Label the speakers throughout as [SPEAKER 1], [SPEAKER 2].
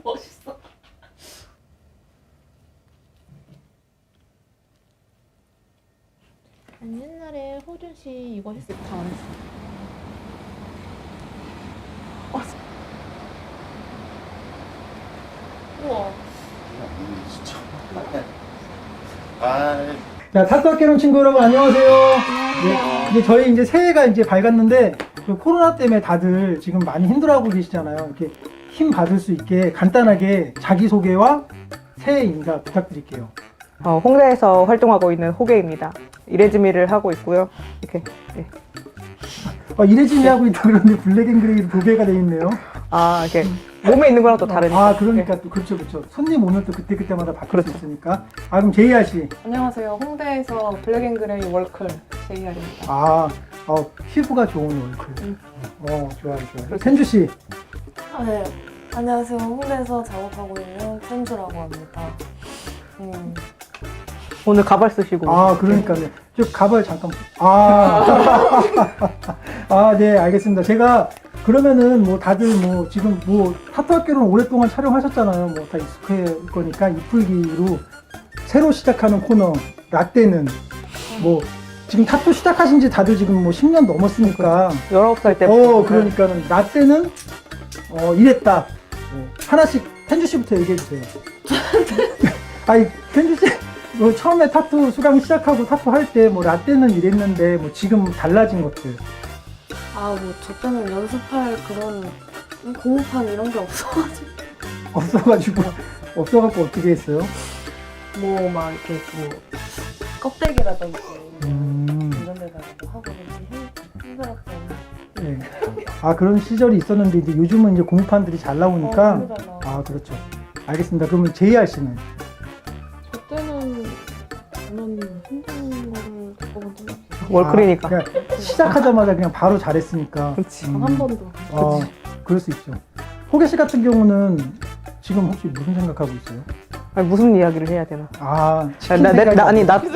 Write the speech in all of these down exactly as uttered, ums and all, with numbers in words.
[SPEAKER 1] 멋있어.
[SPEAKER 2] 아니, 옛날에 호준 씨 이거 했을 때 다 안 했어.
[SPEAKER 1] 어, 우와.
[SPEAKER 3] 진짜. 아,
[SPEAKER 4] 자, 타투학개론 친구 여러분 안녕하세요. 네, 이제 저희 이제 새해가 이제 밝았는데 그 코로나 때문에 다들 지금 많이 힘들어하고 계시잖아요. 이렇게 힘 받을 수 있게 간단하게 자기 소개와 새해 인사 부탁드릴게요.
[SPEAKER 5] 어, 홍대에서 활동하고 있는 호계입니다. 이레즈미를 하고 있고요. 이렇게. 네.
[SPEAKER 4] 어, 이래지미 하고 있다 그러는데 블랙앤그레이로 도배가 돼 있네요.
[SPEAKER 5] 아, 이렇게 몸에 있는 거랑 또 다르니까.
[SPEAKER 4] 아, 그러니까 또 그렇죠, 그렇죠. 손님 오면 또 그때 그때마다 바뀔 수 있으니까. 아, 그럼 제이알 씨.
[SPEAKER 6] 안녕하세요. 홍대에서 블랙앤그레이 월클 제이알입니다.
[SPEAKER 4] 아, 어, 피부가 좋은 얼굴.
[SPEAKER 6] 음.
[SPEAKER 4] 어, 좋아요, 좋아요. 텐주 씨.
[SPEAKER 1] 아, 네. 안녕하세요. 홍대에서 작업하고 있는 텐주라고 합니다. 음.
[SPEAKER 5] 오늘 가발 쓰시고.
[SPEAKER 4] 아, 그러니까요. 저 가발 잠깐. 아, 아, 네, 알겠습니다. 제가 그러면은 뭐 다들 뭐 지금 뭐 타투학개론 오랫동안 촬영하셨잖아요. 뭐 다 익숙할 거니까 이풀기로 새로 시작하는 코너 라떼는 뭐 지금 타투 시작하신 지 다들 지금 뭐 십 년 넘었으니까.
[SPEAKER 5] 열아홉 살 때부터.
[SPEAKER 4] 어, 그러니까는 라떼는 어, 이랬다. 어, 하나씩 텐주 씨부터 얘기해 주세요. 아니, 텐주 씨. 뭐 처음에 타투 수강 시작하고 타투 할 때 뭐 라떼는 이랬는데 뭐 지금 달라진 것들.
[SPEAKER 1] 아, 뭐, 저 때는 연습할 그런 공판 이런 게 없어가지고.
[SPEAKER 4] 없어가지고 없어갖고 어떻게 했어요?
[SPEAKER 1] 뭐, 막 이렇게 뭐, 껍데기라든지
[SPEAKER 4] 음,
[SPEAKER 1] 이런 데다가 뭐 하고 그러지 힘들었던.
[SPEAKER 4] 네. 아, 그런 시절이 있었는데 이제 요즘은 이제 공판들이 잘 나오니까.
[SPEAKER 1] 어, 힘들잖아.
[SPEAKER 4] 아, 그렇죠. 알겠습니다. 그러면 제이알 씨는?
[SPEAKER 2] 저 때는 저는 힘든 거를 겪어본 적이 없어요.
[SPEAKER 5] 월클이니까.
[SPEAKER 4] 아, 그러니까 시작하자마자 그냥 바로 잘했으니까.
[SPEAKER 5] 그렇지.
[SPEAKER 4] 음,
[SPEAKER 2] 한 번도.
[SPEAKER 4] 어, 그럴 수 있죠. 호계 씨 같은 경우는 지금 혹시 무슨 생각하고 있어요?
[SPEAKER 5] 아니, 무슨 이야기를 해야 되나.
[SPEAKER 4] 아,
[SPEAKER 5] 나,
[SPEAKER 4] 치킨
[SPEAKER 5] 나, 나,
[SPEAKER 4] 생각이
[SPEAKER 5] 나, 아니, 나.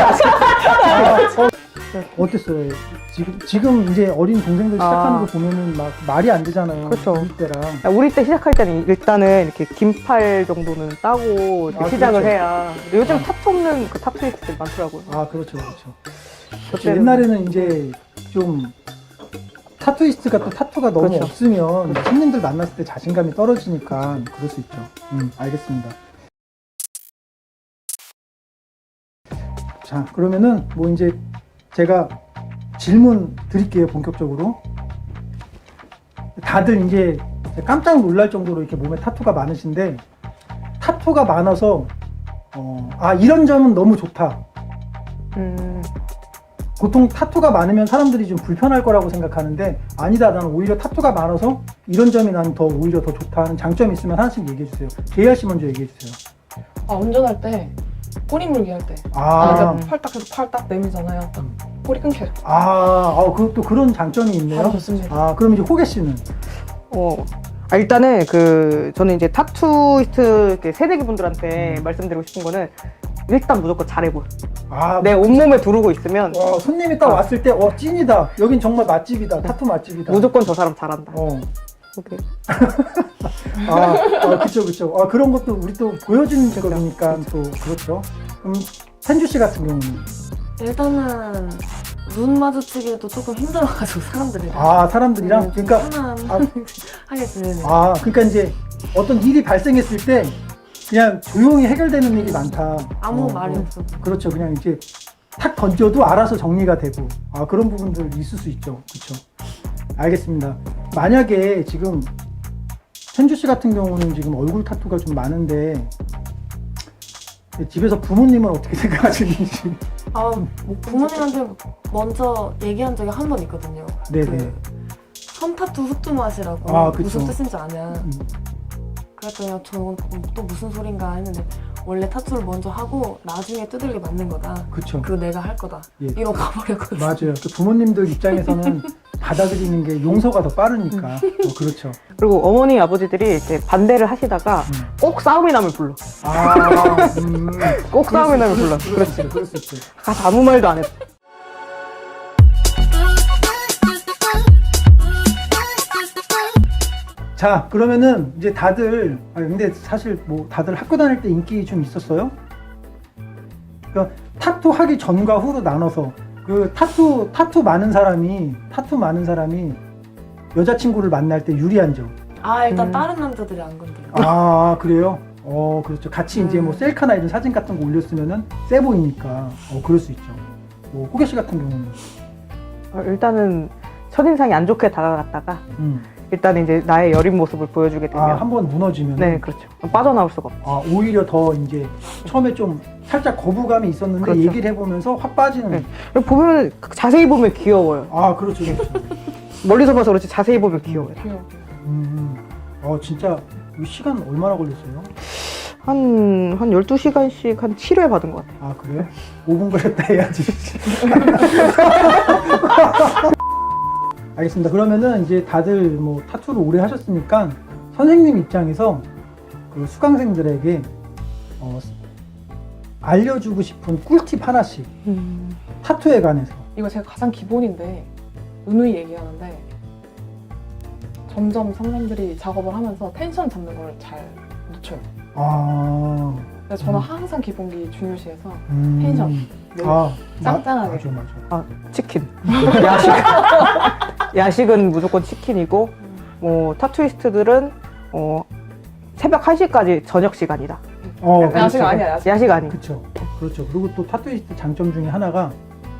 [SPEAKER 4] 어땠어요? 지금 지금 이제 어린 동생들 시작하는
[SPEAKER 5] 아.
[SPEAKER 4] 거 보면은 막 말이 안 되잖아요.
[SPEAKER 5] 그렇죠.
[SPEAKER 4] 우리 때랑.
[SPEAKER 5] 야, 우리 때 시작할 때는 일단은 이렇게 긴팔 정도는 따고 이렇게
[SPEAKER 4] 아,
[SPEAKER 5] 시작을
[SPEAKER 4] 그렇죠.
[SPEAKER 5] 해야. 근데 요즘
[SPEAKER 4] 아.
[SPEAKER 5] 타투 없는 그 타투이스트들 많더라고요.
[SPEAKER 4] 아, 그렇죠, 그렇죠.
[SPEAKER 5] 그때는-
[SPEAKER 4] 옛날에는 이제 좀 타투이스트가 또 타투가 너무
[SPEAKER 5] 그렇죠.
[SPEAKER 4] 없으면 손님들 만났을 때 자신감이 떨어지니까 그럴 수 있죠. 음, 알겠습니다. 자, 그러면은 뭐 이제 제가 질문 드릴게요, 본격적으로. 다들 이제 깜짝 놀랄 정도로 이렇게 몸에 타투가 많으신데, 타투가 많아서, 어, 아, 이런 점은 너무 좋다.
[SPEAKER 5] 음,
[SPEAKER 4] 보통 타투가 많으면 사람들이 좀 불편할 거라고 생각하는데, 아니다, 나는 오히려 타투가 많아서 이런 점이 난 더 오히려 더 좋다 하는 장점이 있으면 하나씩 얘기해 주세요. 제이알 씨 먼저 얘기해 주세요.
[SPEAKER 6] 아, 운전할 때 꼬리 물기 할 때. 아,
[SPEAKER 4] 아,
[SPEAKER 6] 그러니까 팔 딱 해서 팔 딱 내밀잖아요. 딱 꼬리 끊겨요.
[SPEAKER 4] 아, 아, 그것도 그런 장점이 있네요.
[SPEAKER 6] 바로 좋습니다.
[SPEAKER 4] 아, 그럼 이제 호계 씨는?
[SPEAKER 5] 어. 아, 일단은 그 저는 이제 타투이스트 이렇게 새내기 분들한테 말씀드리고 싶은 거는 일단 무조건 잘해 보여.
[SPEAKER 4] 아,
[SPEAKER 5] 내 온몸에 두르고 있으면
[SPEAKER 4] 어, 손님이 딱 왔을 때, 어, 찐이다. 여긴 정말 맛집이다. 타투 맛집이다.
[SPEAKER 5] 무조건 저 사람 잘한다.
[SPEAKER 4] 어.
[SPEAKER 5] 오케이.
[SPEAKER 4] 아, 아, 그쵸, 그쵸. 아, 그런 것도 우리 또 보여주는 거니까 또, 그렇죠. 그럼, 텐주 씨 같은 경우는?
[SPEAKER 1] 일단은, 눈 마주치기도 조금 힘들어가지고, 사람들이랑.
[SPEAKER 4] 아, 사람들이랑?
[SPEAKER 1] 네, 좀
[SPEAKER 4] 그러니까,
[SPEAKER 1] 편안하게 지내는.
[SPEAKER 4] 아, 그러니까 이제 어떤 일이 발생했을 때 그냥 조용히 해결되는 일이 많다.
[SPEAKER 1] 아무
[SPEAKER 4] 어,
[SPEAKER 1] 말이
[SPEAKER 4] 어.
[SPEAKER 1] 없어.
[SPEAKER 4] 그렇죠. 그냥 이제 탁 던져도 알아서 정리가 되고. 아, 그런 부분들 있을 수 있죠. 그렇죠. 알겠습니다. 만약에 지금 텐주 씨 같은 경우는 지금 얼굴 타투가 좀 많은데 집에서 부모님은 어떻게 생각하시는지.
[SPEAKER 1] 아, 뭐 부모님한테 먼저 얘기한 적이 한 번 있거든요.
[SPEAKER 4] 네네.
[SPEAKER 1] 그 손타투 후뚜 맛이라고
[SPEAKER 4] 아, 그쵸.
[SPEAKER 1] 무슨 뜻인지 아냐.
[SPEAKER 4] 음.
[SPEAKER 1] 그랬더니 저는 또 무슨 소린가 했는데 원래 타투를 먼저 하고 나중에 두들겨 맞는 거다.
[SPEAKER 4] 그쵸.
[SPEAKER 1] 그거 내가 할 거다.
[SPEAKER 4] 예.
[SPEAKER 1] 이러고 가버렸거든요.
[SPEAKER 4] 맞아요. 그 부모님들 입장에서는 받아들이는 게 용서가 더 빠르니까. 어, 그렇죠.
[SPEAKER 5] 그리고 어머니 아버지들이 이렇게 반대를 하시다가
[SPEAKER 4] 음.
[SPEAKER 5] 꼭 싸움이 나면 불러.
[SPEAKER 4] 아, 음.
[SPEAKER 5] 꼭 싸움이 나면 불러.
[SPEAKER 4] 그럴 수
[SPEAKER 5] 그렇지.
[SPEAKER 4] 있죠. 그럴 수 있죠.
[SPEAKER 5] 가서 아무 말도 안 했어.
[SPEAKER 4] 자, 그러면은 이제 다들, 아 근데 사실 뭐 다들 학교 다닐 때 인기 좀 있었어요? 그러니까 타투 하기 전과 후로 나눠서 그 타투 타투 많은 사람이 타투 많은 사람이 여자친구를 만날 때 유리한 점.
[SPEAKER 1] 아 일단
[SPEAKER 5] 음.
[SPEAKER 1] 다른 남자들이 안 건드려.
[SPEAKER 4] 아 그래요? 어 그렇죠. 같이 이제 뭐
[SPEAKER 1] 음.
[SPEAKER 4] 셀카나 이런 사진 같은 거 올렸으면은 세 보이니까 어 그럴 수 있죠. 뭐 호계 씨 같은 경우는
[SPEAKER 5] 어, 일단은 첫인상이 안 좋게 다가갔다가
[SPEAKER 4] 음.
[SPEAKER 5] 일단 이제 나의 여린 모습을 보여주게 되면
[SPEAKER 4] 아 한 번 무너지면
[SPEAKER 5] 네 그렇죠. 빠져나올 수가 없죠.
[SPEAKER 4] 아 오히려 더 이제 처음에 좀 살짝 거부감이 있었는데
[SPEAKER 5] 그렇죠.
[SPEAKER 4] 얘기를 해보면서 확 빠지는.
[SPEAKER 5] 네. 그리고 보면 자세히 보면 귀여워요.
[SPEAKER 4] 아 그렇죠, 그렇죠.
[SPEAKER 5] 멀리서 봐서 그렇지 자세히 보면 귀여워요.
[SPEAKER 6] 귀여워.
[SPEAKER 4] 음, 어 진짜 이 시간 얼마나 걸렸어요?
[SPEAKER 5] 한, 한 열두 시간씩 한 칠 회 받은 것 같아요.
[SPEAKER 4] 아 그래요? 오 분 걸렸다 해야지. 알겠습니다. 그러면은 이제 다들 뭐 타투를 오래 하셨으니까 선생님 입장에서 그 수강생들에게 어, 알려주고 싶은 꿀팁 하나씩
[SPEAKER 5] 음.
[SPEAKER 4] 타투에 관해서.
[SPEAKER 6] 이거 제가 가장 기본인데 누누이 얘기하는데 점점 상담들이 작업을 하면서 텐션 잡는 걸 잘 놓쳐요.
[SPEAKER 4] 아,
[SPEAKER 6] 그래서 저는
[SPEAKER 4] 음.
[SPEAKER 6] 항상 기본기 중요시해서
[SPEAKER 4] 음,
[SPEAKER 6] 텐션. 늘
[SPEAKER 4] 아,
[SPEAKER 6] 짱짱하게.
[SPEAKER 4] 맞아, 맞아.
[SPEAKER 5] 아, 치킨. 야식. 야식은 무조건 치킨이고, 뭐, 타투이스트들은, 어, 새벽 한 시까지 저녁 시간이다.
[SPEAKER 4] 어,
[SPEAKER 5] 약간
[SPEAKER 6] 야식
[SPEAKER 4] 그렇죠.
[SPEAKER 6] 아니야, 야식.
[SPEAKER 5] 야식 아니.
[SPEAKER 4] 그렇죠. 그렇죠. 그리고 또 타투이스트 장점 중에 하나가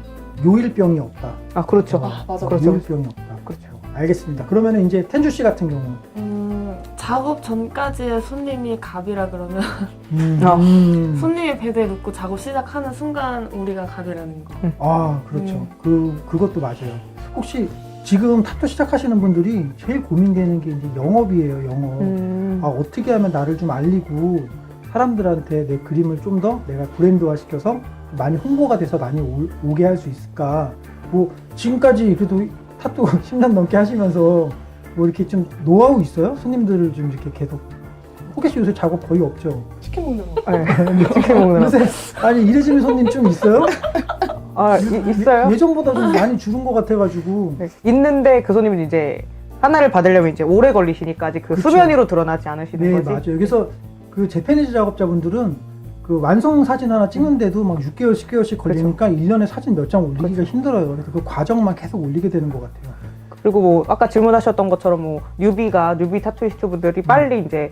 [SPEAKER 4] 요일병이 없다.
[SPEAKER 5] 아, 그렇죠.
[SPEAKER 6] 아, 맞아.
[SPEAKER 5] 그렇죠.
[SPEAKER 4] 요일병이 없다.
[SPEAKER 5] 그렇죠.
[SPEAKER 4] 알겠습니다. 그러면 이제 텐주 씨 같은 경우.
[SPEAKER 1] 음, 작업 전까지의 손님이 갑이라 그러면
[SPEAKER 4] 음,
[SPEAKER 5] 아.
[SPEAKER 4] 음.
[SPEAKER 1] 손님이 베드에 눕고 작업 시작하는 순간 우리가 갑이라는 거.
[SPEAKER 4] 아, 그렇죠.
[SPEAKER 1] 음.
[SPEAKER 4] 그, 그것도 맞아요. 혹시 지금 타투 시작하시는 분들이 제일 고민되는 게 이제 영업이에요, 영업.
[SPEAKER 5] 음.
[SPEAKER 4] 아, 어떻게 하면 나를 좀 알리고 사람들한테 내 그림을 좀 더 내가 브랜드화 시켜서 많이 홍보가 돼서 많이 오, 오게 할 수 있을까. 뭐, 지금까지 그래도 타투 십 년 넘게 하시면서 뭐 이렇게 좀 노하우 있어요? 손님들을 좀 이렇게 계속. 호계 씨 요새 작업 거의 없죠?
[SPEAKER 6] 치킨 먹는 거.
[SPEAKER 5] 네. 치킨 먹느라.
[SPEAKER 4] 요새, 아니, 이래지는 손님 좀 있어요?
[SPEAKER 5] 아, 이- 있어요?
[SPEAKER 4] 예, 예전보다 좀 많이 줄은 것 같아가지고.
[SPEAKER 5] 네. 있는데 그 손님은 이제 하나를 받으려면 이제 오래 걸리시니까 아직 그
[SPEAKER 4] 그쵸.
[SPEAKER 5] 수면 위로 드러나지 않으시는
[SPEAKER 4] 네,
[SPEAKER 5] 거지.
[SPEAKER 4] 맞아요. 그래서 그 재패니즈 작업자분들은 그 완성 사진 하나 찍는데도 막 육 개월, 십 개월씩 걸리니까 일 년에 사진 몇 장 올리기가 힘들어요. 그래서 그 과정만 계속 올리게 되는 것 같아요.
[SPEAKER 5] 그리고 뭐 아까 질문하셨던 것처럼 뭐 뉴비가 뉴비 타투이스트 분들이 빨리 이제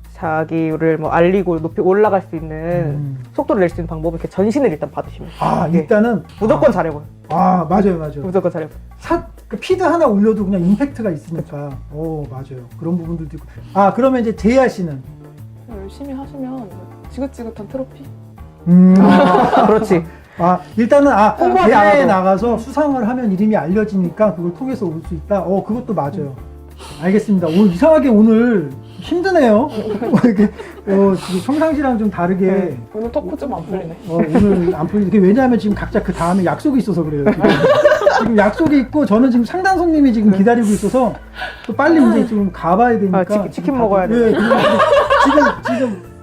[SPEAKER 5] 자기를 뭐 알리고 높이 올라갈 수 있는
[SPEAKER 4] 음.
[SPEAKER 5] 속도를 낼 수 있는 방법은 이렇게 전신을 일단 받으시면 돼요.
[SPEAKER 4] 아,
[SPEAKER 5] 네.
[SPEAKER 4] 일단은.
[SPEAKER 5] 무조건
[SPEAKER 4] 아,
[SPEAKER 5] 잘해보요.
[SPEAKER 4] 아, 맞아요, 맞아요.
[SPEAKER 5] 무조건 잘해보요.
[SPEAKER 4] 사, 그 피드 하나 올려도 그냥 임팩트가 있으니까. 오, 맞아요. 그런 부분들도 있고. 아, 그러면 이제 제이아 씨는?
[SPEAKER 6] 열심히 하시면 지긋지긋한 트로피?
[SPEAKER 4] 음.
[SPEAKER 5] 아, 그렇지.
[SPEAKER 4] 아, 일단은, 아,
[SPEAKER 5] 홍보하지
[SPEAKER 4] 대회에
[SPEAKER 5] 않아도.
[SPEAKER 4] 나가서 수상을 하면 이름이 알려지니까 그걸 통해서 올 수 있다. 어, 그것도 맞아요. 알겠습니다. 오늘 이상하게 오늘 힘드네요. 이렇게, 어, 지금 평상시랑 좀 다르게.
[SPEAKER 5] 네.
[SPEAKER 6] 오늘 토크 좀 안 풀리네.
[SPEAKER 4] 어, 오늘 안 풀리게. 왜냐하면 지금 각자 그 다음에 약속이 있어서 그래요. 지금, 지금 약속이 있고 저는 지금 상담 손님이 지금 기다리고 있어서 또 빨리 이제 좀 가봐야 되니까.
[SPEAKER 5] 아, 치킨- 치킨 먹어야
[SPEAKER 4] 돼. 예, 그리고 지금, 지금